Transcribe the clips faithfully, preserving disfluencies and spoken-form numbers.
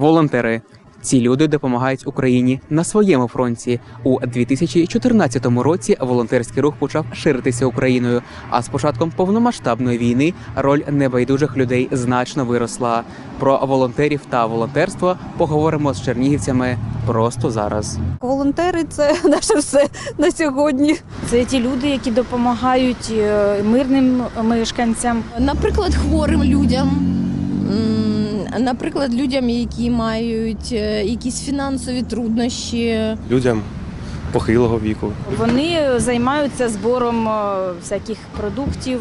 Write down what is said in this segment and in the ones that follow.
Волонтери. Ці люди допомагають Україні на своєму фронті. У дві тисячі чотирнадцятому році волонтерський рух почав ширитися Україною, а з початком повномасштабної війни роль небайдужих людей значно виросла. Про волонтерів та волонтерство поговоримо з чернігівцями просто зараз. Волонтери – це наше все на сьогодні. Це ті люди, які допомагають мирним мешканцям. Наприклад, хворим людям, м, наприклад, людям, які мають е, якісь фінансові труднощі. Людям похилого віку. Вони займаються збором е, всяких продуктів,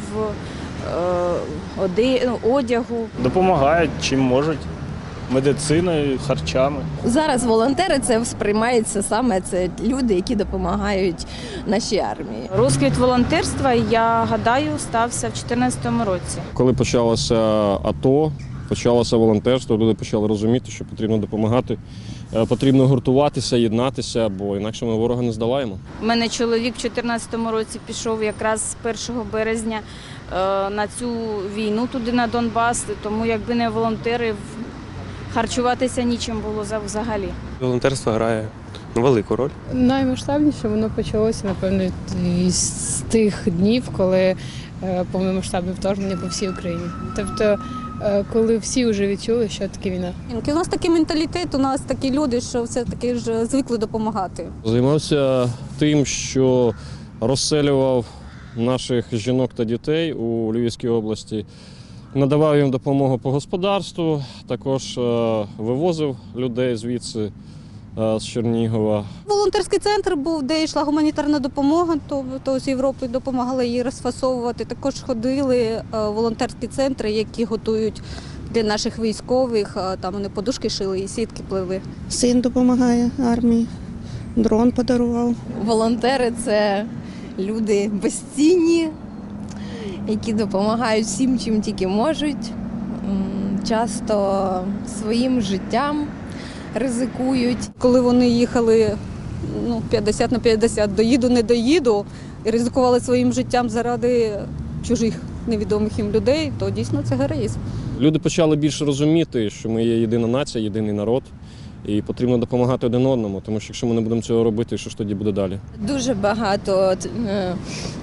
е, оде- ну, одягу. Допомагають чим можуть, медициною, харчами. Зараз волонтери це сприймається саме це люди, які допомагають нашій армії. Розквіт волонтерства, я гадаю, стався в дві тисячі чотирнадцятому році. Коли почалося АТО, почалося волонтерство, люди почали розуміти, що потрібно допомагати, е, потрібно гуртуватися, єднатися, бо інакше ми ворога не здолаємо. У мене чоловік в дві тисячі чотирнадцятому році пішов якраз з першого березня е, на цю війну туди на Донбас, тому якби не волонтери, в- харчуватися нічим було за- взагалі. Волонтерство грає велику роль. Наймасштабніше воно почалося, напевно, з тих днів, коли е, повномасштабне вторгнення по всій Україні. Тобто, е, коли всі вже відчули, що таке війна. У нас такий менталітет, у нас такі люди, що все-таки ж звикли допомагати. Займався тим, що розселював наших жінок та дітей у Львівській області, надавав їм допомогу по господарству, також е, вивозив людей звідси, е, з Чернігова. Волонтерський центр був, де йшла гуманітарна допомога, то, то з Європи допомагали її розфасовувати. Також ходили е, волонтерські центри, які готують для наших військових. Е, Там вони подушки шили і сітки плели. Син допомагає армії, дрон подарував. Волонтери це люди безцінні, які допомагають всім, чим тільки можуть. М, Часто своїм життям ризикують. Коли вони їхали ну, п'ятдесят на п'ятдесят, доїду, не доїду, і ризикували своїм життям заради чужих невідомих їм людей, то дійсно це героїзм. Люди почали більше розуміти, що ми є єдина нація, єдиний народ, і потрібно допомагати один одному, тому що якщо ми не будемо цього робити, що ж тоді буде далі? Дуже багато от, е,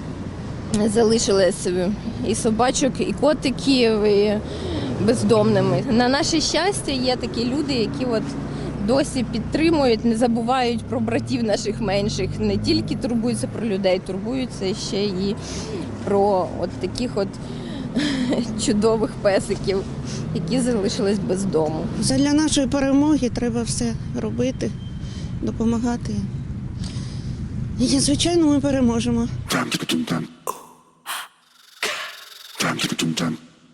залишилось і собачок, і котиків, і бездомними. На наше щастя, є такі люди, які от досі підтримують, не забувають про братів наших менших, не тільки турбуються про людей, турбуються ще і про от таких от чудових песиків, які залишились без дому. Для нашої перемоги треба все робити, допомагати. І, звичайно, ми переможемо.